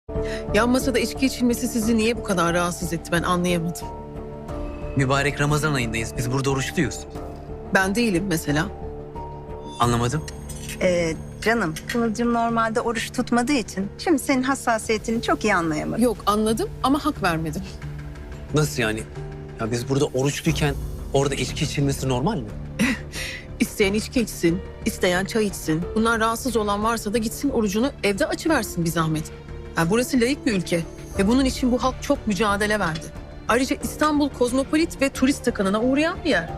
Yan masada içki içilmesi sizi niye bu kadar rahatsız etti ben anlayamadım. Mübarek Ramazan ayındayız. Biz burada oruçluyuz. Ben değilim mesela. Anlamadım. Canım, Kıvılcım normalde oruç tutmadığı için şimdi senin hassasiyetini çok iyi anlayamadım. Yok anladım ama hak vermedim. Nasıl yani? Ya biz burada oruçluyken orada içki içilmesi normal mi? İsteyen içki içsin, isteyen çay içsin. Bunlar rahatsız olan varsa da gitsin orucunu evde açıversin bir zahmet. Yani burası laik bir ülke ve bunun için bu halk çok mücadele verdi. Ayrıca İstanbul kozmopolit ve turist takınına uğrayan bir yer.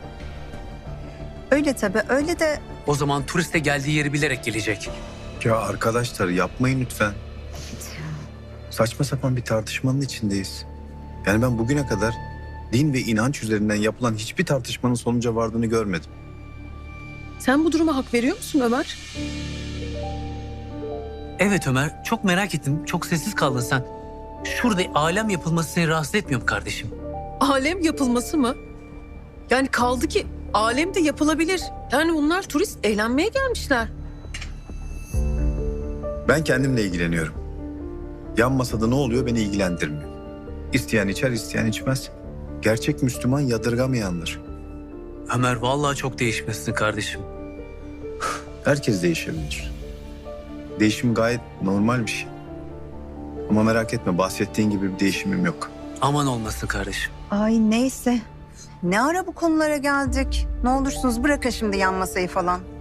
Öyle tabii, öyle de O zaman turiste geldiği yeri bilerek gelecek. Ya arkadaşlar yapmayın lütfen. Saçma sapan bir tartışmanın içindeyiz. Yani ben bugüne kadar din ve inanç üzerinden yapılan hiçbir tartışmanın sonuca vardığını görmedim. Sen bu duruma hak veriyor musun Ömer? Evet Ömer, çok merak ettim. Çok sessiz kaldın sen. Şurada alem yapılması seni rahatsız etmiyor mu kardeşim? Alem yapılması mı? Yani kaldı ki alem de yapılabilir. Yani bunlar turist eğlenmeye gelmişler. Ben kendimle ilgileniyorum. Yan masada ne oluyor beni ilgilendirmiyor. İsteyen içer, isteyen içmez. Gerçek Müslüman yadırgamayandır. Ömer vallahi çok değişmişsin kardeşim. Herkes değişebilir. Değişim gayet normal bir şey. Ama merak etme bahsettiğin gibi bir değişimim yok. Aman olmasın kardeşim. ay neyse. Ne ara bu konulara geldik? Ne olursunuz bırakın şimdi yan masayı falan.